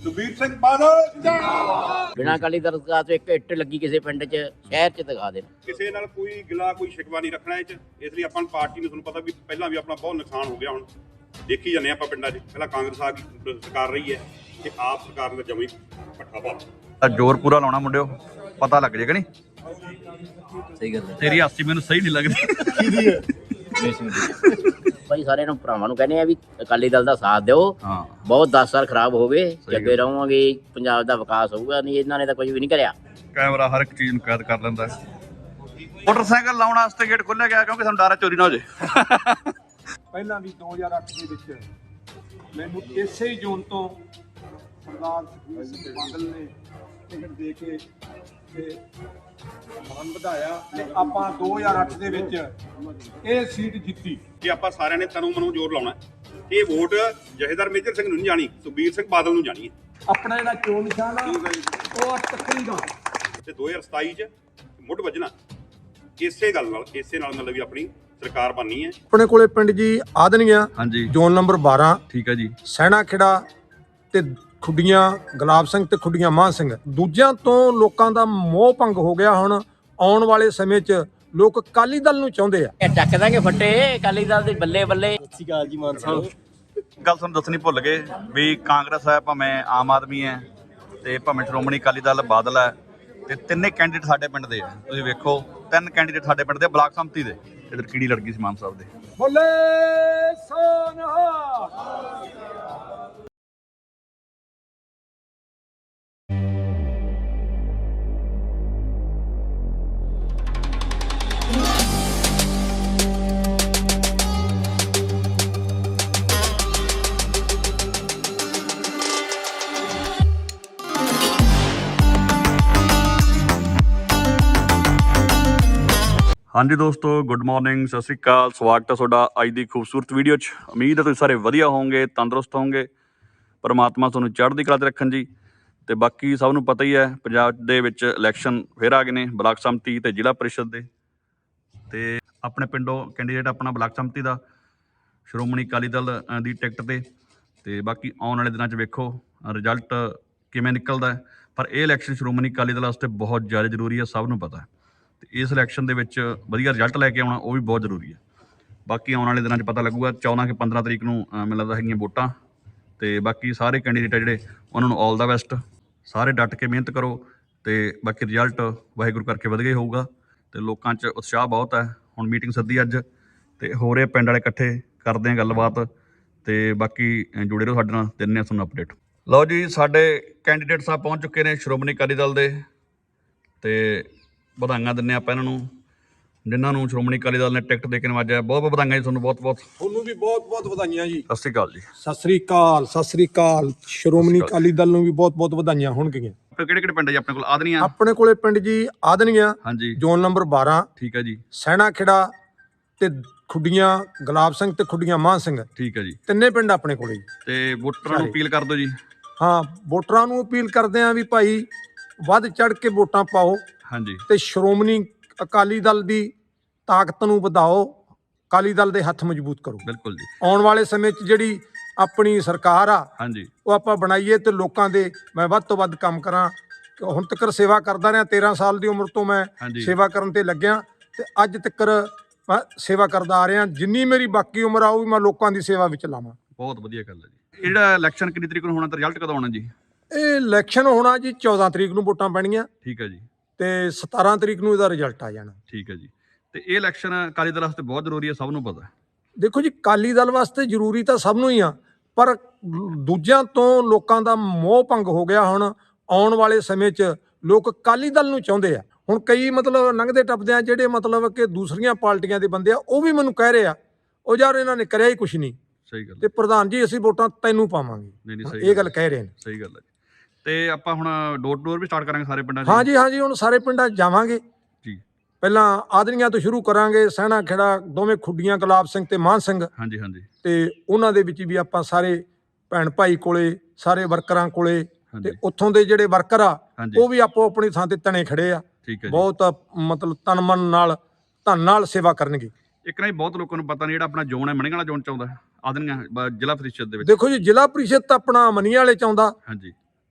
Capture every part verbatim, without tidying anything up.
ਸੁਖਬੀਰ ਸਿੰਘ ਬਾਦਲ ਜਿੰਦਾਬਾਦ। ਬਿਨਾਂ ਅਕਾਲੀ ਦਲ ਦਾ ਤੋਂ ਇੱਕ ਇੱਟ ਲੱਗੀ ਕਿਸੇ ਪਿੰਡ 'ਚ ਸ਼ਹਿਰ 'ਚ ਦਿਖਾ ਦੇਣ। ਕਿਸੇ ਨਾਲ ਕੋਈ ਗਿਲਾ ਕੋਈ ਸ਼ਿਕਵਾ ਨਹੀਂ ਰੱਖਣਾ ਇਹ 'ਚ। ਇਸ ਲਈ ਆਪਾਂ ਪਾਰਟੀ ਨੂੰ ਤੁਹਾਨੂੰ ਪਤਾ ਵੀ ਪਹਿਲਾਂ ਵੀ ਆਪਣਾ ਬਹੁਤ ਨੁਕਸਾਨ ਹੋ ਗਿਆ। ਹੁਣ ਦੇਖੀ ਜਾਂਦੇ ਆਪਾਂ ਪਿੰਡਾਂ 'ਚ ਪਹਿਲਾਂ ਕਾਂਗਰਸ ਆ ਗਈ ਸਰਕਾਰ ਰਹੀ ਹੈ ਤੇ ਆਪ ਸਰਕਾਰ ਦਾ ਜਮੀ ਪੱਠਾ ਪਾ ਜ਼ੋਰ ਪੂਰਾ ਲਾਉਣਾ ਮੁੰਡਿਓ, ਪਤਾ ਲੱਗ ਜਾਏਗਾ। ਨਹੀਂ ਸਹੀ ਗੱਲ ਹੈ। ਤੇਰੀ ਹਾਸੀ ਮੈਨੂੰ ਸਹੀ ਨਹੀਂ ਲੱਗਦੀ। ਭਾਈ ਸਾਰਿਆਂ ਨੂੰ ਭਰਾਵਾਂ ਨੂੰ ਕਹਿੰਦੇ ਆ ਵੀ ਅਕਾਲੀ ਦਲ ਦਾ ਸਾਥ ਦਿਓ। ਹਾਂ ਬਹੁਤ ਦਸ ਸਾਲ ਖਰਾਬ ਹੋ ਗਏ, ਜੱਗੇ ਰਹੋਗੇ ਪੰਜਾਬ ਦਾ ਵਿਕਾਸ ਹੋਊਗਾ। ਨਹੀਂ ਇਹਨਾਂ ਨੇ ਤਾਂ ਕੁਝ ਵੀ ਨਹੀਂ ਕਰਿਆ। ਕੈਮਰਾ ਹਰ ਇੱਕ ਚੀਜ਼ ਨੂੰ ਕੈਦ ਕਰ ਲੈਂਦਾ। ਮੋਟਰਸਾਈਕਲ ਲਾਉਣ ਵਾਸਤੇ ਗੇਟ ਖੋਲ੍ਹਿਆ ਗਿਆ ਕਿਉਂਕਿ ਸਾਨੂੰ ਡਰ ਹੈ ਚੋਰੀ ਨਾ ਹੋ ਜਾਏ। ਪਹਿਲਾਂ ਵੀ ਦੋ ਹਜ਼ਾਰ ਅੱਠ ਦੇ ਵਿੱਚ ਮੈਨੂੰ ਇਸੇ ਹੀ ਜ਼ੋਨ ਤੋਂ ਸਰਦਾਰ ਸੁਖਬੀਰ ਸਿੰਘ ਬਾਦਲ ਨੇ ਟਿਕਟ ਦੇ ਕੇ ਤੇ ਮਾਨ ਵਧਾਇਆ ਤੇ ਆਪਾਂ ਦੋ ਹਜ਼ਾਰ ਅੱਠ ਦੇ ਵਿੱਚ ਇਹ ਸੀਟ ਜਿੱਤੀ। ਕਿ ਆਪਾਂ ਸਾਰਿਆਂ ਨੇ ਤਨੂ ਮਨੂ ਜ਼ੋਰ ਲਾਉਣਾ। ਇਹ ਵੋਟ ਜਥੇਦਾਰ ਮੇਜਰ ਸਿੰਘ ਨੂੰ ਨਹੀਂ ਜਾਣੀ, ਸੁਖਬੀਰ ਸਿੰਘ ਬਾਦਲ ਨੂੰ ਜਾਣੀ ਹੈ। ਆਪਣਾ ਜਿਹੜਾ ਚੋਣ ਨਿਸ਼ਾਨ ਆ ਉਹ ਆ ਤੱਕਰੀ ਦਾ ਤੇ ਦੋ ਹਜ਼ਾਰ ਸਤਾਈ 'ਚ ਮੁੱਢ ਵੱਜਣਾ ਇਸੇ ਗੱਲ ਨਾਲ, ਇਸੇ ਨਾਲ ਮਤਲਬ ਵੀ ਆਪਣੀ ਸਰਕਾਰ ਬਣਨੀ ਹੈ। ਆਪਣੇ ਕੋਲੇ ਪਿੰਡ ਜੀ ਆਦਨੀਆਂ ਹਾਂਜੀ ਜ਼ੋਨ ਨੰਬਰ ਬਾਰਾਂ, ਠੀਕ ਹੈ ਜੀ। ਸੈਣਾ ਖੇੜਾ ਤੇ ਖੁੱਡੀਆਂ ਗੁਲਾਬ ਸਿੰਘ ਤੇ ਖੁੱਡੀਆਂ ਮਾਨ ਸਿੰਘ। ਦੂਜਿਆਂ ਤੋਂ ਲੋਕਾਂ ਦਾ ਮੋਹ ਭੰਗ ਹੋ ਗਿਆ। ਹੁਣ ਆਉਣ ਵਾਲੇ ਸਮੇਂ 'ਚ ਲੋਕ ਅਕਾਲੀ ਦਲ ਨੂੰ ਚਾਹੁੰਦੇ ਆ। ਇਹ ਚੱਕ ਦਾਂਗੇ ਫੱਟੇ ਅਕਾਲੀ ਦਲ ਦੇ ਬੱਲੇ ਬੱਲੇ। ਸਤਿ ਸ਼੍ਰੀ ਅਕਾਲ ਜੀ ਮਾਨ ਸਾਹਿਬ। ਗੱਲ ਤੁਹਾਨੂੰ ਦੱਸਣੀ ਭੁੱਲ ਗਏ ਵੀ ਕਾਂਗਰਸ ਹੈ, ਭਾਵੇਂ ਆਮ ਆਦਮੀ ਹੈ ਤੇ ਭਾਵੇਂ ਸ਼੍ਰੋਮਣੀ ਅਕਾਲੀ ਦਲ ਬਾਦਲ ਹੈ, ਤੇ ਤਿੰਨੇ ਕੈਂਡੀਡੇਟ ਸਾਡੇ ਪਿੰਡ ਦੇ ਆ। ਤੁਸੀਂ ਵੇਖੋ ਤਿੰਨ ਕੈਂਡੀਡੇਟ ਸਾਡੇ ਪਿੰਡ ਦੇ ਬਲਾਕ ਸੰਮਤੀ ਦੇ। ਇਧਰ ਕੀੜੀ ਲੜ ਗਈ ਸੀ ਮਾਨ ਸਾਹਿਬ ਦੇ। ਬੋਲੇ ਸੋਨਹਾ। ਹਾਂਜੀ ਦੋਸਤੋ, ਗੁੱਡ ਮਾਰਨਿੰਗ, ਸਤਿ ਸ਼੍ਰੀ ਅਕਾਲ। ਸਵਾਗਤ ਹੈ ਤੁਹਾਡਾ ਅੱਜ ਦੀ ਖੂਬਸੂਰਤ ਵੀਡੀਓ 'ਚ। ਉਮੀਦ ਹੈ ਤੁਸੀਂ ਸਾਰੇ ਵਧੀਆ ਹੋਵੋਗੇ, ਤੰਦਰੁਸਤ ਹੋਵੋਗੇ। ਪਰਮਾਤਮਾ ਤੁਹਾਨੂੰ ਚੜ੍ਹਦੀ ਕਲਾ 'ਤੇ ਰੱਖਣ ਜੀ। ਤੇ ਬਾਕੀ ਸਭ ਨੂੰ ਪਤਾ ਹੀ ਹੈ ਪੰਜਾਬ ਦੇ ਵਿੱਚ ਇਲੈਕਸ਼ਨ ਫਿਰ ਆ ਗਏ ਨੇ, ਬਲਾਕ ਸੰਮਤੀ ਤੇ ਜ਼ਿਲ੍ਹਾ ਪਰਿਸ਼ਦ ਦੇ। ਤੇ ਆਪਣੇ ਪਿੰਡੋਂ ਕੈਂਡੀਡੇਟ ਆਪਣਾ ਬਲਾਕ ਸੰਮਤੀ ਦਾ ਸ਼੍ਰੋਮਣੀ ਅਕਾਲੀ ਦਲ ਦੀ ਟਿਕਟ 'ਤੇ। ਤੇ ਬਾਕੀ ਆਉਣ ਵਾਲੇ ਦਿਨਾਂ 'ਚ ਵੇਖੋ ਰਿਜ਼ਲਟ ਕਿਵੇਂ ਨਿਕਲਦਾ। ਪਰ ਇਹ ਇਲੈਕਸ਼ਨ ਸ਼੍ਰੋਮਣੀ ਅਕਾਲੀ ਦਲ ਵਾਸਤੇ ਬਹੁਤ ਜ਼ਿਆਦਾ ਜ਼ਰੂਰੀ ਹੈ, ਸਭ ਨੂੰ ਪਤਾ ਹੈ। ਤੇ ਇਸ ਇਲੈਕਸ਼ਨ ਦੇ ਵਿੱਚ ਵਧੀਆ ਰਿਜ਼ਲਟ ਲੈ ਕੇ ਆਉਣਾ ਉਹ ਵੀ ਬਹੁਤ ਜ਼ਰੂਰੀ ਹੈ। ਬਾਕੀ ਆਉਣ ਵਾਲੇ ਦਿਨਾਂ 'ਚ ਪਤਾ ਲੱਗੂਗਾ। ਚੌਦਾਂ ਕਿ ਪੰਦਰਾਂ ਤਰੀਕ ਨੂੰ ਮੈਨੂੰ ਲੱਗਦਾ ਹੈਗੀਆਂ ਵੋਟਾਂ। ਤੇ ਬਾਕੀ ਸਾਰੇ ਕੈਂਡੀਡੇਟ ਆ ਜਿਹੜੇ ਉਹਨਾਂ ਨੂੰ ਆਲ ਦਾ ਬੈਸਟ। ਸਾਰੇ ਡਟ ਕੇ ਮਿਹਨਤ ਕਰੋ ਤੇ ਬਾਕੀ ਰਿਜ਼ਲਟ ਵਾਹਿਗੁਰੂ ਕਰਕੇ ਵਧੀਆ ਹੀ ਹੋਊਗਾ। ਤੇ ਲੋਕਾਂ 'ਚ ਉਤਸ਼ਾਹ ਬਹੁਤ ਹੈ। ਹੁਣ ਮੀਟਿੰਗ ਸੱਦੀ ਅੱਜ ਤੇ ਹੋ ਰਹੇ ਪਿੰਡ ਵਾਲੇ ਇਕੱਠੇ, ਕਰਦੇ ਆ ਗੱਲਬਾਤ ਤੇ ਬਾਕੀ ਜੁੜੇ ਰਹੋ ਸਾਡੇ ਨਾਲ, ਦਿੰਦੇ ਹਾਂ ਤੁਹਾਨੂੰ ਅਪਡੇਟ। ਲਓ ਜੀ, ਸਾਡੇ ਕੈਂਡੀਡੇਟ ਸਾਹਿਬ ਪਹੁੰਚ ਚੁੱਕੇ ਨੇ ਸ਼੍ਰੋਮਣੀ ਅਕਾਲੀ ਦਲ ਦੇ। ਤੇ ਵਧਾਈਆਂ ਦਿੰਦੇ ਆਪਾਂ ਇਹਨਾਂ ਨੂੰ, ਜਿਨ੍ਹਾਂ ਨੂੰ ਸ਼੍ਰੋਮਣੀ ਅਕਾਲੀ ਦਲ ਨੇ ਟਿਕਟ ਦੇ ਕੇ ਨਵਾਜਿਆ। ਬਹੁਤ ਬਹੁਤ ਵਧਾਈਆਂ ਜੀ ਤੁਹਾਨੂੰ, ਬਹੁਤ ਬਹੁਤ। ਤੁਹਾਨੂੰ ਵੀ ਬਹੁਤ ਬਹੁਤ ਵਧਾਈਆਂ ਜੀ। ਸਤਿ ਸ਼੍ਰੀ ਅਕਾਲ ਜੀ। ਸਤਿ ਸ੍ਰੀ ਅਕਾਲ, ਸਤਿ ਸ੍ਰੀ ਅਕਾਲ। ਸ਼੍ਰੋਮਣੀ ਅਕਾਲੀ ਦਲ ਨੂੰ ਵੀ ਬਹੁਤ ਬਹੁਤ ਵਧਾਈਆਂ ਹੋਣਗੀਆਂ। ਕਿਹੜੇ ਕਿਹੜੇ ਪਿੰਡ ਜੀ ਆਪਣੇ ਕੋਲ? ਆਦਨੀਆਂ ਆਪਣੇ ਕੋਲੇ ਪਿੰਡ ਜੀ ਆਦਨੀਆਂ, ਹਾਂਜੀ, ਜ਼ੋਨ ਨੰਬਰ ਬਾਰਾਂ, ਠੀਕ ਹੈ ਜੀ। ਸੈਣਾ ਖੇੜਾ ਤੇ ਖੁੱਡੀਆਂ ਗੁਲਾਬ ਸਿੰਘ ਤੇ ਖੁੱਡੀਆਂ ਮਾਨ ਸਿੰਘ, ਠੀਕ ਹੈ ਜੀ। ਤਿੰਨੇ ਪਿੰਡ ਆਪਣੇ ਕੋਲੇ। ਤੇ ਵੋਟਰਾਂ ਨੂੰ ਅਪੀਲ ਕਰ ਦਿਓ ਜੀ। ਹਾਂ, ਵੋਟਰਾਂ ਨੂੰ ਅਪੀਲ ਕਰਦੇ ਆਂ ਵੀ ਭਾਈ ਵੱਧ ਚੜ ਕੇ ਵੋਟਾਂ ਪਾਓ ਹਾਂਜੀ, ਤੇ ਸ਼੍ਰੋਮਣੀ ਅਕਾਲੀ ਦਲ ਦੀ ਤਾਕਤ ਨੂੰ ਵਧਾਓ, ਅਕਾਲੀ ਦਲ ਦੇ ਹੱਥ ਮਜ਼ਬੂਤ ਕਰੋ। ਬਿਲਕੁਲ ਜੀ। ਆਉਣ ਵਾਲੇ ਸਮੇਂ 'ਚ ਜਿਹੜੀ ਆਪਣੀ ਸਰਕਾਰ ਆ ਹਾਂਜੀ, ਉਹ ਆਪਾਂ ਬਣਾਈਏ ਤੇ ਲੋਕਾਂ ਦੇ ਮੈਂ ਵੱਧ ਤੋਂ ਵੱਧ ਕੰਮ ਕਰਾਂ। ਹੁਣ ਤੱਕ ਸੇਵਾ ਕਰਦਾ ਰਿਹਾ, ਤੇਰਾਂ ਸਾਲ ਦੀ ਉਮਰ ਤੋਂ ਮੈਂ ਹਾਂਜੀ। ਸੇਵਾ ਕਰਨ ਤੇ ਲੱਗਿਆ ਤੇ ਅੱਜ ਤੱਕ ਮੈਂ ਸੇਵਾ ਕਰਦਾ ਆ ਰਿਹਾ। ਜਿੰਨੀ ਮੇਰੀ ਬਾਕੀ ਉਮਰ ਆ ਉਹ ਵੀ ਮੈਂ ਲੋਕਾਂ ਦੀ ਸੇਵਾ ਵਿੱਚ ਲਾਵਾਂ। ਬਹੁਤ ਵਧੀਆ ਗੱਲ ਹੈ ਜੀ। ਇਹ ਜਿਹੜਾ ਇਲੈਕਸ਼ਨ ਕਿੰਨੀ ਤਰੀਕ ਨੂੰ ਹੋਣਾ ਤੇ ਰਿਜ਼ਲਟ ਕਦੋਂ ਆਉਣਾ ਜੀ? ਇਹ ਇਲੈਕਸ਼ਨ ਹੋਣਾ ਜੀ ਚੌਦਾਂ ਤਰੀਕ ਨੂੰ ਵੋਟਾਂ ਪੈਣੀਆਂ ਠੀਕ ਹੈ ਜੀ। ਤੇ ਸਤਾਰਾਂ ਤਰੀਕ ਨੂੰ ਇਹਦਾ ਰਿਜ਼ਲਟ ਆ ਜਾਣਾ। ਠੀਕ ਹੈ ਜੀ। ਤੇ ਇਹ ਇਲੈਕਸ਼ਨ ਅਕਾਲੀ ਦਲ ਵਾਸਤੇ ਬਹੁਤ ਜ਼ਰੂਰੀ ਹੈ, ਸਭ ਨੂੰ ਪਤਾ। ਦੇਖੋ ਜੀ, ਅਕਾਲੀ ਦਲ ਵਾਸਤੇ ਜ਼ਰੂਰੀ ਤਾਂ ਸਭ ਨੂੰ ਹੀ ਆ, ਪਰ ਦੂਜਿਆਂ ਤੋਂ ਲੋਕਾਂ ਦਾ ਮੋਹ ਭੰਗ ਹੋ ਗਿਆ। ਹੁਣ ਆਉਣ ਵਾਲੇ ਸਮੇਂ 'ਚ ਲੋਕ ਅਕਾਲੀ ਦਲ ਨੂੰ ਚਾਹੁੰਦੇ ਆ। ਹੁਣ ਕਈ ਮਤਲਬ ਲੰਘਦੇ ਟੱਪਦੇ ਆ ਜਿਹੜੇ ਮਤਲਬ ਕਿ ਦੂਸਰੀਆਂ ਪਾਰਟੀਆਂ ਦੇ ਬੰਦੇ ਆ, ਉਹ ਵੀ ਮੈਨੂੰ ਕਹਿ ਰਹੇ ਆ ਉਹ ਯਾਰ ਇਹਨਾਂ ਨੇ ਕਰਿਆ ਹੀ ਕੁਛ ਨਹੀਂ। ਸਹੀ ਗੱਲ। ਤੇ ਪ੍ਰਧਾਨ ਜੀ ਅਸੀਂ ਵੋਟਾਂ ਤੈਨੂੰ ਪਾਵਾਂਗੇ, ਨਹੀਂ ਨਹੀਂ, ਸਹੀ ਇਹ ਗੱਲ ਕਹਿ ਰਹੇ ਨੇ। ਸਹੀ ਗੱਲ ਹੈ ਜੀ। ਤੇ ਆਪਾਂ ਹੁਣ door to door we start ਕਰਾਂਗੇ ਸਾਰੇ ਪਿੰਡਾਂ 'ਚ? ਹਾਂਜੀ ਹਾਂਜੀ, ਹੁਣ ਸਾਰੇ ਪਿੰਡਾਂ 'ਚ ਜਾਵਾਂਗੇ ਜੀ। ਪਹਿਲਾਂ ਆਦਨੀਆਂ ਤੋਂ ਸ਼ੁਰੂ ਕਰਾਂਗੇ, ਸੈਣਾ ਖੇੜਾ, ਦੋਵੇਂ ਖੁੱਡੀਆਂ ਗੁਲਾਬ ਸਿੰਘ ਤੇ ਮਾਨ ਸਿੰਘ। ਹਾਂਜੀ ਹਾਂਜੀ। ਤੇ ਉਹਨਾਂ ਦੇ ਵਿੱਚ ਵੀ ਆਪਾਂ ਸਾਰੇ ਭੈਣ ਭਾਈ ਕੋਲੇ, ਸਾਰੇ ਵਰਕਰਾਂ ਕੋਲੇ, ਤੇ ਉੱਥੋਂ ਦੇ ਜਿਹੜੇ ਵਰਕਰ ਆ ਉਹ ਵੀ ਆਪੋ ਆਪਣੀ ਥਾਂ ਤੇ ਤਣੇ ਖੜੇ ਆ। ਠੀਕ ਹੈ। ਬਹੁਤ ਮਤਲਬ ਤਨ ਮਨ ਨਾਲ, ਧਨ ਨਾਲ ਸੇਵਾ ਕਰਨਗੇ। ਇੱਕ ਨਾ ਬਹੁਤ ਲੋਕਾਂ ਨੂੰ ਪਤਾ ਨਹੀਂ, ਜਿਹੜਾ ਆਪਣਾ ਜ਼ੋਨ ਹੈ ਮਣੀਆਂ ਵਾਲਾ ਜ਼ੋਨ ਚ ਆਉਂਦਾ ਆਦਨੀਆਂ ਜ਼ਿਲ੍ਹਾ ਪ੍ਰੀਸ਼ਦ ਦੇ ਵਿੱਚ। ਦੇਖੋ ਜੀ, ਜ਼ਿਲ੍ਹਾ ਪ੍ਰੀਸ਼ਦ ਤਾਂ ਆਪਣਾ ਮਨੀਆਂ ਵਾਲੇ ਚ ਆਉਂਦਾ। ਹਾਂਜੀ।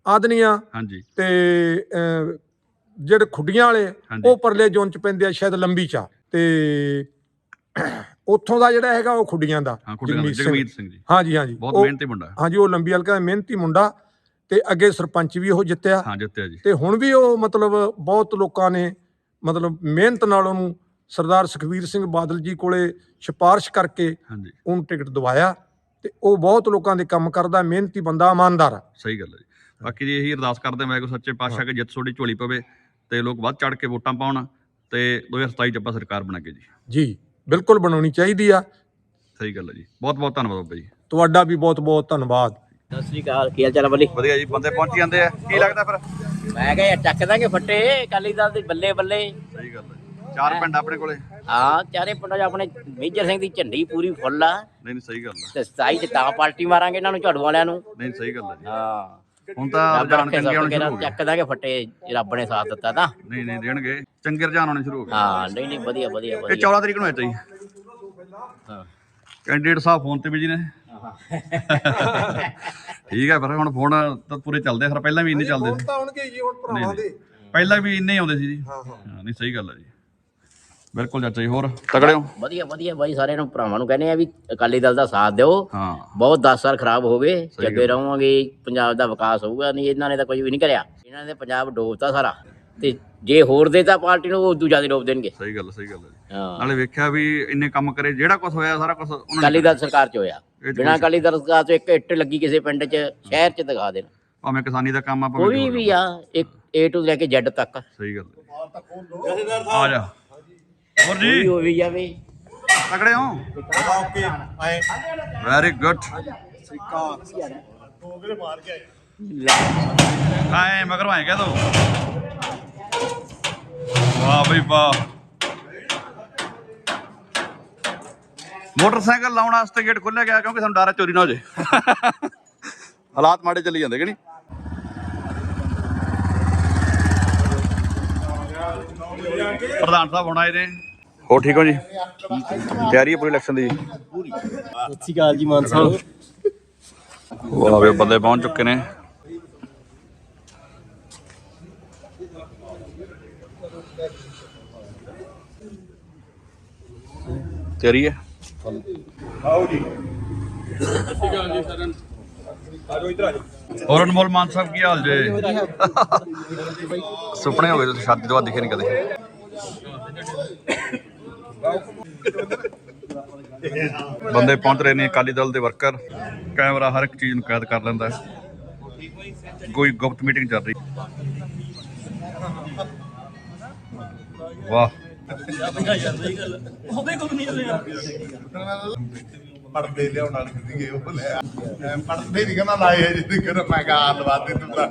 ਆਦਨੀਆਂ ਹਾਂਜੀ ਤੇ ਅਹ, ਜਿਹੜੇ ਖੁੱਡੀਆਂ ਵਾਲੇ ਹਾਂਜੀ। ਉਹ ਪਰਲੇ ਜ਼ੋਨ ਚ ਪੈਂਦੇ ਆ, ਸ਼ਾਇਦ ਲੰਬੀ ਚਾ ਤੇ ਉੱਥੋਂ ਦਾ ਜਿਹੜਾ ਹੈਗਾ ਉਹ ਖੁੱਡੀਆਂ ਦਾ ਹਾਂ ਖੁੱਡੀਆਂ ਦਾ ਜਗਮੀਤ ਸਿੰਘ। ਜਗਮੀਤ ਸਿੰਘ ਜੀ ਹਾਂਜੀ ਹਾਂਜੀ ਬਹੁਤ ਉਹ- ਮਿਹਨਤੀ ਮੁੰਡਾ ਹੈ। ਹਾਂਜੀ ਉਹ ਲੰਬੀ ਹਲਕਾ ਦਾ ਮਿਹਨਤੀ ਮੁੰਡਾ ਤੇ ਅੱਗੇ ਸਰਪੰਚ ਵੀ ਉਹ ਜਿੱਤਿਆ ਹਾਂ ਜਿੱਤਿਆ ਜੀ ਤੇ ਹੁਣ ਵੀ ਉਹ ਮਤਲਬ ਬਹੁਤ ਲੋਕਾਂ ਨੇ ਮਤਲਬ ਮਿਹਨਤ ਨਾਲ ਉਹਨੂੰ ਸਰਦਾਰ ਸੁਖਬੀਰ ਸਿੰਘ ਬਾਦਲ ਜੀ ਕੋਲੇ ਸਿਫਾਰਿਸ਼ ਕਰਕੇ ਹਾਂਜੀ ਉਹਨੂੰ ਟਿਕਟ ਦਵਾਇਆ ਤੇ ਉਹ ਬਹੁਤ ਲੋਕਾਂ ਦੇ ਕੰਮ ਕਰਦਾ, ਮਿਹਨਤੀ ਬੰਦਾ, ਇਮਾਨਦਾਰ ਆ। ਸਹੀ ਗੱਲ ਹੈ ਜੀ। ਬਾਕੀ ਜੀ ਇਹੀ ਅਰਦਾਸ ਕਰਦੇ ਮੈਂ ਕੋ ਸੱਚੇ ਪਾਤਸ਼ਾਹ ਕਿ ਜਿੱਤ ਤੁਹਾਡੀ ਝੋਲੀ ਪਵੇ ਤੇ ਲੋਕ ਵੱਧ ਚੜ ਕੇ ਵੋਟਾਂ ਪਾਉਣ ਤੇ ਦੋ ਹਜ਼ਾਰ ਸਤਾਈ ਚ ਆਪਾਂ ਸਰਕਾਰ ਬਣਾ ਕੇ ਜੀ। ਜੀ ਬਿਲਕੁਲ ਬਣਾਉਣੀ ਚਾਹੀਦੀ ਆ। ਸਹੀ ਗੱਲ ਹੈ ਜੀ। ਬਹੁਤ ਬਹੁਤ ਧੰਨਵਾਦ ਬਾਬਾ ਜੀ। ਤੁਹਾਡਾ ਵੀ ਬਹੁਤ ਬਹੁਤ ਧੰਨਵਾਦ। ਸਤਿ ਸ੍ਰੀ ਅਕਾਲ, ਕੀ ਹਾਲ ਚਾਲ ਆ ਬੱਲੀ? ਵਧੀਆ ਜੀ। ਬੰਦੇ ਪਹੁੰਚੀ ਜਾਂਦੇ ਆ, ਕੀ ਲੱਗਦਾ ਫਿਰ? ਮੈਂ ਕਿਹਾ ਯਾਰ ਚੱਕ ਦਾਂਗੇ ਫੱਟੇ ਅਕਾਲੀ ਦਲ ਦੇ ਬੱਲੇ ਬੱਲੇ। ਸਹੀ ਗੱਲ ਹੈ। ਚਾਰ ਪਿੰਡ ਆਪਣੇ ਕੋਲੇ। ਹਾਂ ਚਾਰੇ ਪਿੰਡਾਂ 'ਚ ਆਪਣੇ ਮੇਜਰ ਸਿੰਘ ਦੀ ਝੰਡੀ ਪੂਰੀ ਫੁੱਲ ਆ ਨਹੀਂ ਨਹੀਂ ਸਹੀ ਗੱਲ ਹੈ। ਤੇ ਸਤਾਈ ਚ ਤਾਂ ਪਾਰਟੀ ਮਾਰਾਂਗੇ ਇਹਨਾਂ ਨੂੰ ਝਾੜੂ ਵਾਲਿਆਂ ਨੂੰ। ਨਹੀਂ ਸਹੀ ਗੱਲ ਹੈ ਜੀ। ਹਾਂ ਹੁਣ ਤਾਂ ਰੱਬ ਰੁਝਾਨ ਰੱਖੇ ਚੰਗੇ ਸਭ ਆਉਣੇ ਕੇ ਸ਼ੁਰੂ ਹੋ ਗਏ। ਚੱਕ ਦਾਂਗੇ ਫੱਟੇ, ਰੱਬ ਨੇ ਸਾਥ ਦਿੱਤਾ ਤਾਂ। ਨਹੀਂ ਨਹੀਂ ਦੇਣਗੇ, ਚੰਗੇ ਰੁਝਾਨ ਆਉਣੇ ਸ਼ੁਰੂ ਹੋ ਗਏ। ਹਾਂ ਨਹੀਂ ਨਹੀਂ ਵਧੀਆ ਵਧੀਆ ਇਹ ਵਧੀਆ। ਚੌਦਾਂ ਤਰੀਕ ਨੂੰ ਹੈ ਜੀ ਹਾਂ ਕੈਂਡੀਡੇਟ ਸਾਹਿਬ ਫੋਨ ਤੇ ਬਿਜੀ ਨੇ। ਠੀਕ ਹੈ ਫਿਰ ਹੁਣ ਫੋਨ ਤਾਂ ਪੂਰੇ ਚੱਲਦੇ ਆ, ਫਿਰ ਪਹਿਲਾਂ ਵੀ ਇੰਨੇ ਚੱਲਦੇ ਸੀ। ਤਾਂ ਆਉਣਗੇ ਜੀ ਹੁਣ ਨਹੀਂ, ਭਰਾਵਾਂ ਨਹੀਂ। ਦੇ। ਪਹਿਲਾਂ ਵੀ ਇੰਨੇ ਹੀ ਆਉਂਦੇ ਸੀ ਜੀ। ਹਾਂ ਹਾਂ ਹਾਂ ਨਹੀਂ ਸਹੀ ਗੱਲ ਹੈ ਜੀ। ਬਿਲਕੁਲ ਚਾਚਾ ਜੀ। ਹੋਰ ਤਗੜੇ ਹੋ? ਵਧੀਆ ਵਧੀਆ ਬਾਈ, ਸਾਰਿਆਂ ਨੂੰ ਭਰਾਵਾਂ ਨੂੰ ਕਹਿੰਦੇ ਆ ਵੀ ਅਕਾਲੀ ਦਲ ਦਾ ਸਾਥ ਦਿਓ। ਹਾਂ ਬਹੁਤ ਦਸ ਸਾਲ ਖਰਾਬ ਹੋ ਗਏ, ਸਹੀ ਜੱਗੇ ਰਹਾਂਗੇ, ਪੰਜਾਬ ਦਾ ਵਿਕਾਸ ਹੋਊਗਾ। ਨਹੀਂ ਇਹਨਾਂ ਨੇ ਤਾਂ ਕੁਝ ਵੀ ਨਹੀਂ ਕਰਿਆ, ਇਹਨਾਂ ਨੇ ਪੰਜਾਬ ਡੋਬਤਾ ਸਾਰਾ। ਤੇ ਜੇ ਹੋਰ ਦੇ ਤਾਂ ਪਾਰਟੀ ਨੂੰ ਉਹ ਦੂਜਾ ਦੇ ਡੋਬ ਦੇਣਗੇ। ਸਹੀ ਗੱਲ ਸਹੀ ਗੱਲ ਹੈ ਜੀ। ਹਾਂ ਨਾਲੇ ਵੇਖਿਆ ਵੀ ਇੰਨੇ ਕੰਮ ਕਰੇ, ਜਿਹੜਾ ਕੁਝ ਹੋਇਆ ਸਾਰਾ ਕੁਝ ਉਹਨਾਂ ਅਕਾਲੀ ਨੇ ਦਲ ਸਰਕਾਰ ਚ ਹੋਇਆ। ਇਹ ਤਾਂ ਬਿਨਾਂ ਅਕਾਲੀ ਦਲ ਸਰਕਾਰ ਚ ਇੱਕ ਇੱਟ ਲੱਗੀ ਕਿਸੇ ਪਿੰਡ ਚ, ਸ਼ਹਿਰ ਚ ਦਿਖਾ ਦੇਣ। ਭਾਵੇਂ ਕਿਸਾਨੀ ਦਾ ਕੰਮ ਆ ਭਾਵੇਂ ਕੋਈ ਜੋ ਵੀ ਆ, ਇੱਕ ਏ ਟੂ ਲੈ ਕੇ ਜ਼ੈਡ ਤੱਕ ਸਹੀ ਗੱਲ ਹੈ। ਆ ਜਾ ਹੋਰ ਕੋਈ ਜੀ ਹੋ ਵੀ ਜਾਵੇ। ਤਗੜੇ ਹੋ? Very good. ਆਏ ਮਗਰ ਆਏ ਕਹਿ ਦੋ। ਵਾਹ ਬਈ ਵਾਹ। ਮੋਟਰਸਾਈਕਲ ਲਾਉਣ ਵਾਸਤੇ ਗੇਟ ਖੋਲ੍ਹਿਆ ਗਿਆ ਕਿਉਂਕਿ ਸਾਨੂੰ ਡਰ ਹੈ ਚੋਰੀ ਨਾ ਹੋ ਜੇ। ਹਾਲਾਤ ਮਾੜੇ ਚੱਲੀ ਜਾਂਦੇ ਕਿ ਨਹੀਂ? ਪ੍ਰਧਾਨ ਸਾਹਿਬ ਹੁਣ ਆਏ ਨੇ। ਹੋ ਠੀਕ ਹੋ ਜੀ? ਤਿਆਰੀ ਹੈ ਪੂਰੀ ਇਲੈਕਸ਼ਨ ਦੀ? ਸਤਿ ਸ਼੍ਰੀ ਅਕਾਲ ਜੀ ਮਾਨ ਸਾਹਿਬ। ਵਾਹ ਵੇ ਬੰਦੇ ਪਹੁੰਚ ਚੁੱਕੇ ਨੇ। ਤਿਆਰੀ ਹੈ? ਆਓ ਜੀ। ਹੋਰ ਅਨਮੋਲ ਮਾਨ ਸਾਹਿਬ ਕੀ ਹਾਲ ਜੇ? ਸੁਪਨੇ ਹੋ ਗਏ ਤੁਸੀਂ, ਸ਼ਾਦੀ ਤੋਂ ਬਾਅਦ ਦਿਖੇ ਨਹੀਂ ਕਦੇ। ਬੰਦੇ ਪਹੁੰਚ ਰਹੇ ਨੇ, ਅਕਾਲੀ ਦਲ ਦੇ ਵਰਕਰ। ਕੈਮਰਾ ਹਰ ਇੱਕ ਚੀਜ਼ ਨੂੰ ਕੈਦ ਕਰ ਲੈਂਦਾ ਹੈ। ਕੋਈ ਗੁਪਤ ਮੀਟਿੰਗ ਚੱਲ ਰਹੀ। ਵਾਹ ਪੜਦੇ ਲਿਆਉਣ ਵਾਲੇ ਸੀਗੇ ਉਹ ਲੈ ਪੜਦੇ ਨਹੀਂ ਕਹਿੰਦਾ ਲਾਏ ਜਿੱਦ ਕਰ ਮੈਂ ਕਹਾ ਲਵਾ ਦੇ ਤੂੰ ਤਾਂ।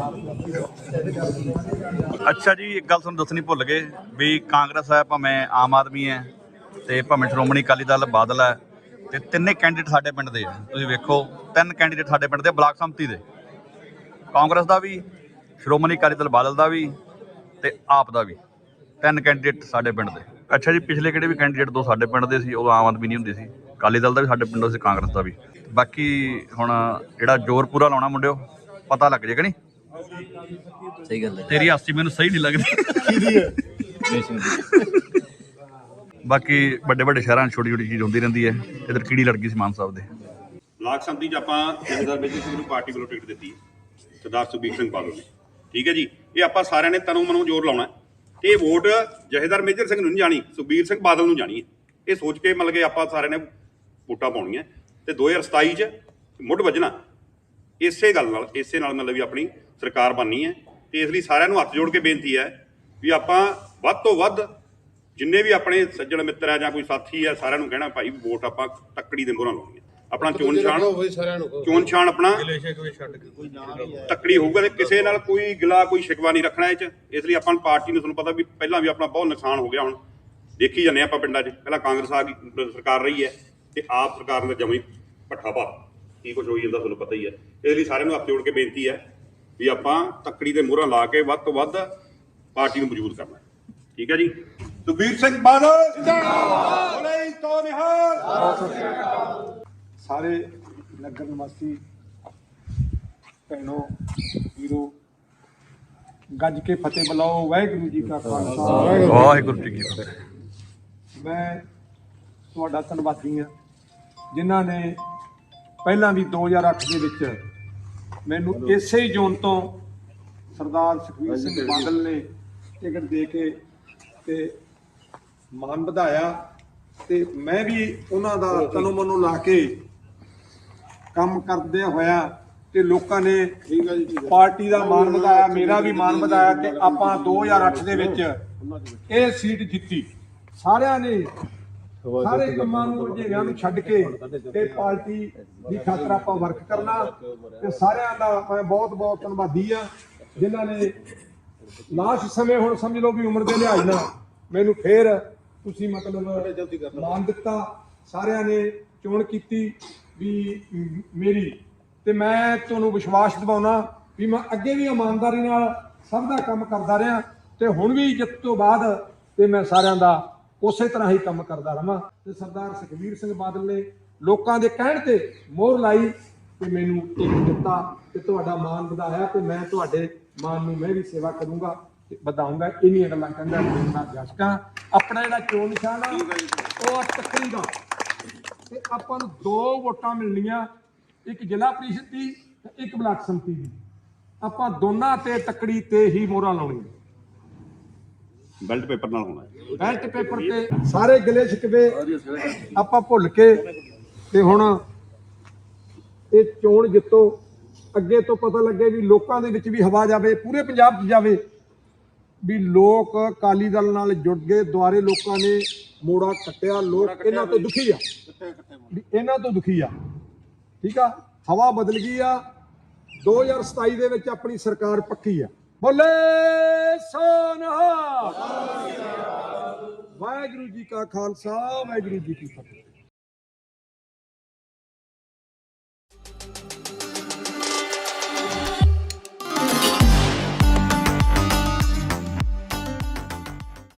ਅੱਛਾ ਜੀ, ਇੱਕ ਗੱਲ ਤੁਹਾਨੂੰ ਦੱਸਣੀ ਭੁੱਲ ਗਏ ਵੀ ਕਾਂਗਰਸ ਹੈ ਭਾਵੇਂ ਆਮ ਆਦਮੀ ਹੈ ਤੇ ਭਾਵੇਂ ਸ਼੍ਰੋਮਣੀ ਅਕਾਲੀ ਦਲ ਬਾਦਲ ਹੈ, ਤੇ ਤਿੰਨੇ ਕੈਂਡੀਡੇਟ ਸਾਡੇ ਪਿੰਡ ਦੇ ਆ। ਤੁਸੀਂ ਵੇਖੋ ਤਿੰਨ ਕੈਂਡੀਡੇਟ ਸਾਡੇ ਪਿੰਡ ਦੇ ਬਲਾਕ ਸੰਮਤੀ ਦੇ, ਕਾਂਗਰਸ ਦਾ ਵੀ, ਸ਼੍ਰੋਮਣੀ ਅਕਾਲੀ ਦਲ ਬਾਦਲ ਦਾ ਵੀ ਤੇ ਆਪ ਦਾ ਵੀ। ਤਿੰਨ ਕੈਂਡੀਡੇਟ ਸਾਡੇ ਪਿੰਡ ਦੇ। ਅੱਛਾ ਜੀ, ਪਿਛਲੇ ਕਿਹੜੇ ਵੀ ਕੈਂਡੀਡੇਟ ਦੋ ਸਾਡੇ ਪਿੰਡ ਦੇ ਸੀ, ਉਦੋਂ ਆਮ ਆਦਮੀ ਨਹੀਂ ਹੁੰਦੀ ਸੀ। ਅਕਾਲੀ ਦਲ ਦਾ ਵੀ ਸਾਡੇ ਪਿੰਡੋਂ ਸੀ, ਕਾਂਗਰਸ ਦਾ ਵੀ। ਬਾਕੀ ਹੁਣ ਜਿਹੜਾ ਜ਼ੋਰ ਪੂਰਾ ਲਾਉਣਾ ਮੁੰਡਿਓ, ਪਤਾ ਲੱਗ ਜੇ ਕਿ ਨਹੀਂ? ਸਹੀ ਗੱਲ ਹੈ। ਤੇਰੀ ਹਾਸੀ ਮੈਨੂੰ ਸਹੀ ਨਹੀਂ ਲੱਗਦੀ। ਬਾਕੀ ਵੱਡੇ ਵੱਡੇ ਸ਼ਹਿਰਾਂ 'ਚ ਛੋਟੀ ਛੋਟੀ ਚੀਜ਼ ਹੁੰਦੀ ਰਹਿੰਦੀ ਹੈ। ਇੱਧਰ ਕੀੜੀ ਲੜ ਗਈ ਸੀ ਮਾਨ ਸਾਹਿਬ ਦੇ। ਬਲਾਕ ਸੰਮਤੀ 'ਚ ਆਪਾਂ ਜਥੇਦਾਰ ਮੇਜਰ ਸਿੰਘ ਨੂੰ ਪਾਰਟੀ ਵੱਲੋਂ ਟਿਕਟ ਦਿੱਤੀ ਹੈ, ਸਰਦਾਰ ਸੁਖਬੀਰ ਸਿੰਘ ਬਾਦਲ ਨੇ। ਠੀਕ ਹੈ ਜੀ, ਇਹ ਆਪਾਂ ਸਾਰਿਆਂ ਨੇ ਤਨੋਂ ਮਨੋਂ ਜ਼ੋਰ ਲਾਉਣਾ ਤੇ ਇਹ ਵੋਟ ਜਥੇਦਾਰ ਮੇਜਰ ਸਿੰਘ ਨੂੰ ਨਹੀਂ ਜਾਣੀ, ਸੁਖਬੀਰ ਸਿੰਘ ਬਾਦਲ ਨੂੰ ਜਾਣੀ ਹੈ। ਇਹ ਸੋਚ ਕੇ ਮਤਲਬ ਕਿ ਆਪਾਂ ਸਾਰਿਆਂ ਨੇ ਵੋਟਾਂ ਪਾਉਣੀਆਂ ਤੇ ਦੋ ਹਜ਼ਾਰ ਸਤਾਈ 'ਚ ਮੁੱਢ ਵੱਜਣਾ ਇਸੇ ਗੱਲ ਨਾਲ, ਇਸੇ ਨਾਲ ਮਤਲਬ ਵੀ ਆਪਣੀ ਸਰਕਾਰ ਬਣਨੀ ਹੈ। ਤੇ ਇਸ ਲਈ ਸਾਰਿਆਂ ਨੂੰ ਹੱਥ ਜੋੜ ਕੇ ਬੇਨਤੀ ਹੈ ਵੀ ਆਪਾਂ ਵੱਧ ਤੋਂ ਵੱਧ ਜਿੰਨੇ ਵੀ ਆਪਣੇ ਸੱਜਣ ਮਿੱਤਰ ਆ ਜਾਂ ਕੋਈ ਸਾਥੀ ਆ, ਸਾਰਿਆਂ ਨੂੰ ਕਹਿਣਾ ਭਾਈ ਵੋਟ ਆਪਾਂ ਤੱਕੜੀ ਦੇ ਮੋਹਰਾਂ ਲਾਉਣੀ ਹੈ। ਆਪਣਾ ਚੋਣ ਨਿਸ਼ਾਨ ਚੋਣ ਨਿਸ਼ਾਨ ਆਪਣਾ ਤੱਕੜੀ ਹੋਊਗਾ ਤੇ ਕਿਸੇ ਨਾਲ ਕੋਈ ਗਿਲਾ ਕੋਈ ਸ਼ਿਕਵਾ ਨਹੀਂ ਰੱਖਣਾ ਇਹ 'ਚ। ਇਸ ਲਈ ਆਪਾਂ ਪਾਰਟੀ ਨੂੰ, ਤੁਹਾਨੂੰ ਪਤਾ ਵੀ ਪਹਿਲਾਂ ਵੀ ਆਪਣਾ ਬਹੁਤ ਨੁਕਸਾਨ ਹੋ ਗਿਆ। ਹੁਣ ਦੇਖੀ ਜਾਂਦੇ ਆਪਾਂ ਪਿੰਡਾਂ 'ਚ, ਪਹਿਲਾਂ ਕਾਂਗਰਸ ਆ ਗਈ ਸਰਕਾਰ ਰਹੀ ਹੈ ਤੇ ਆਪ ਸਰਕਾਰ ਨੇ ਜਮੀ ਭੱਠਾ ਪਾ ਕੀ ਕੁਛ ਹੋਈ ਜਾਂਦਾ ਤੁਹਾਨੂੰ ਪਤਾ ਹੀ ਹੈ। ਇਸ ਲਈ ਸਾਰਿਆਂ ਨੂੰ ਹੱਥ ਜੋੜ ਕੇ ਬੇਨਤੀ ਹੈ ਵੀ ਆਪਾਂ ਤੱਕੜੀ ਦੇ ਮੋਹਰਾਂ ਲਾ ਕੇ ਵੱਧ ਤੋਂ ਵੱਧ ਪਾਰਟੀ ਨੂੰ ਮਜ਼ਬੂਤ ਕਰਨਾ। ਠੀਕ ਹੈ ਜੀ। ਸੁਖਬੀਰ ਸਿੰਘ ਬਾਦਲ ਜਿੰਦਾਬਾਦ। ਬੋਲੇ ਤੋਂ ਨਿਹਾਲ। ਸਾਰੇ ਨਗਰ ਨਿਵਾਸੀ ਭੈਣੋ ਵੀਰੋ ਗੱਜ ਕੇ ਫਤਿਹ ਬੁਲਾਓ। ਵਾਹਿਗੁਰੂ ਜੀ ਕਾ ਖਾਲਸਾ ਵਾਹਿਗੁਰੂ ਜੀ ਕੀ ਫਤਿਹ। ਮੈਂ ਤੁਹਾਡਾ ਧੰਨਵਾਦੀ ਹਾਂ ਜਿਨ੍ਹਾਂ ਨੇ ਪਹਿਲਾਂ ਵੀ ਦੋ ਹਜ਼ਾਰ ਅੱਠ ਦੇ ਵਿੱਚ ਮੈਨੂੰ ਇਸੇ ਹੀ ਜ਼ੋਨ ਤੋਂ ਸਰਦਾਰ ਸੁਖਬੀਰ ਸਿੰਘ ਬਾਦਲ ਨੇ ਟਿਕਟ ਦੇ ਕੇ ਤੇ ਮਾਨ ਵਧਾਇਆ ਤੇ ਮੈਂ ਵੀ ਉਹਨਾਂ ਦਾ ਤਨੋਂ ਮਨੋਂ ਲਾ ਕੇ ਕੰਮ ਕਰਦੇ ਹੋਇਆ ਤੇ ਲੋਕਾਂ ਨੇ ਪਾਰਟੀ ਦਾ ਮਾਨ ਵਧਾਇਆ, ਮੇਰਾ ਵੀ ਮਾਨ ਵਧਾਇਆ ਤੇ ਆਪਾਂ ਦੋ ਹਜ਼ਾਰ ਅੱਠ ਦੇ ਵਿੱਚ ਇਹ ਸੀਟ ਜਿੱਤੀ। ਸਾਰਿਆਂ ਨੇ ਸਾਰੇ ਕੰਮਾਂ ਨੂੰ ਰੁਝੇਵਿਆਂ ਨੂੰ ਛੱਡ ਕੇ ਤੇ ਪਾਰਟੀ ਦੀ ਖਾਤਰ ਆਪਾਂ ਵਰਕ ਕਰਨਾ ਤੇ ਸਾਰਿਆਂ ਦਾ ਮੈਂ ਬਹੁਤ ਬਹੁਤ ਧੰਨਵਾਦੀ ਆ ਜਿਨ੍ਹਾਂ ਨੇ ਲਾਸਟ ਸਮੇਂ ਹੁਣ ਸਮਝ ਲਓ ਵੀ ਉਮਰ ਦੇ ਲਿਹਾਜ਼ ਨਾਲ ਮੈਨੂੰ ਫੇਰ ਤੁਸੀਂ ਮਤਲਬ ਮਾਨ ਦਿੱਤਾ। ਸਾਰਿਆਂ ਨੇ ਚੋਣ ਕੀਤੀ ਵੀ ਮੇਰੀ ਤੇ ਮੈਂ ਤੁਹਾਨੂੰ ਵਿਸ਼ਵਾਸ ਦਿਵਾਉਣਾ ਵੀ ਮੈਂ ਅੱਗੇ ਵੀ ਇਮਾਨਦਾਰੀ ਨਾਲ ਸਭ ਦਾ ਕੰਮ ਕਰਦਾ ਰਿਹਾ ਤੇ ਹੁਣ ਵੀ ਜਿੱਤ ਤੋਂ ਬਾਅਦ ਤੇ ਮੈਂ ਸਾਰਿਆਂ ਦਾ ਉਸੇ ਤਰ੍ਹਾਂ ਹੀ ਕੰਮ ਕਰਦਾ ਰਹਾਂ। ਤੇ ਸਰਦਾਰ ਸੁਖਬੀਰ ਸਿੰਘ ਬਾਦਲ ਨੇ ਲੋਕਾਂ ਦੇ ਕਹਿਣ ਤੇ ਮੋਹਰ ਲਾਈ ਤੇ ਮੈਨੂੰ ਟਿਕਟ ਦਿੱਤਾ ਤੇ ਤੁਹਾਡਾ ਮਾਨ ਵਧਾਇਆ ਤੇ ਮੈਂ ਤੁਹਾਡੇ ਮਾਨ ਨੂੰ ਮੈਂ ਵੀ ਸੇਵਾ ਕਰੂੰਗਾ ਤੇ ਵਧਾਊਂਗਾ। ਇੰਨੀਆਂ ਗੱਲਾਂ ਕਹਿੰਦਾ ਮੈਂ ਜਸ਼ਕਾਂ ਆਪਣਾ ਜਿਹੜਾ ਚੋਣ ਨਿਸ਼ਾਨ ਆ ਉਹ ਆ ਤੱਕੜੀ ਦਾ ਤੇ ਆਪਾਂ ਨੂੰ ਦੋ ਵੋਟਾਂ ਮਿਲਣੀਆਂ, ਇੱਕ ਜ਼ਿਲ੍ਹਾ ਪ੍ਰੀਸ਼ਦ ਦੀ ਤੇ ਇੱਕ ਬਲਾਕ ਸੰਮਤੀ ਦੀ। ਆਪਾਂ ਦੋਨਾਂ ਤੇ ਤੱਕੜੀ ਤੇ ਹੀ ਮੋਹਰਾਂ ਲਾਉਣੀਆਂ। ਬੈਲਟ ਪੇਪਰ ਨਾਲ ਹੋਣਾ ਹੈ। ਬੈਲਟ ਪੇਪਰ ਤੇ ਸਾਰੇ ਗਿਲੇ ਸ਼ਿਕਵੇ ਆਪਾਂ ਭੁੱਲ ਕੇ ਤੇ ਹੁਣ ਇਹ ਚੋਣ ਜਿੱਤੋ। ਅੱਗੇ ਤੋਂ ਪਤਾ ਲੱਗੇ ਵੀ ਲੋਕਾਂ ਦੇ ਵਿੱਚ ਵੀ ਹਵਾ ਜਾਵੇ, ਪੂਰੇ ਪੰਜਾਬ 'ਚ ਜਾਵੇ ਵੀ ਲੋਕ ਅਕਾਲੀ ਦਲ ਨਾਲ ਜੁੜ ਗਏ, ਦੁਆਰੇ ਲੋਕਾਂ ਨੇ ਮੋੜਾ ਕੱਟਿਆ, ਲੋਕ ਇਹਨਾਂ ਤੋਂ ਦੁਖੀ ਆ ਵੀ ਇਹਨਾਂ ਤੋਂ ਦੁਖੀ ਆ। ਠੀਕ ਆ, ਹਵਾ ਬਦਲ ਗਈ ਆ। ਦੋ ਹਜ਼ਾਰ ਸਤਾਈ ਦੇ ਵਿੱਚ ਆਪਣੀ ਸਰਕਾਰ ਪੱਕੀ ਆ। ਬੋਲੇ ਸੋ ਨਿਹਾਲ। ਵਾਹਿਗੁਰੂ ਜੀ ਕਾ ਖਾਲਸਾ ਵਾਹਿਗੁਰੂ ਜੀ ਕੀ ਫਤਿਹ।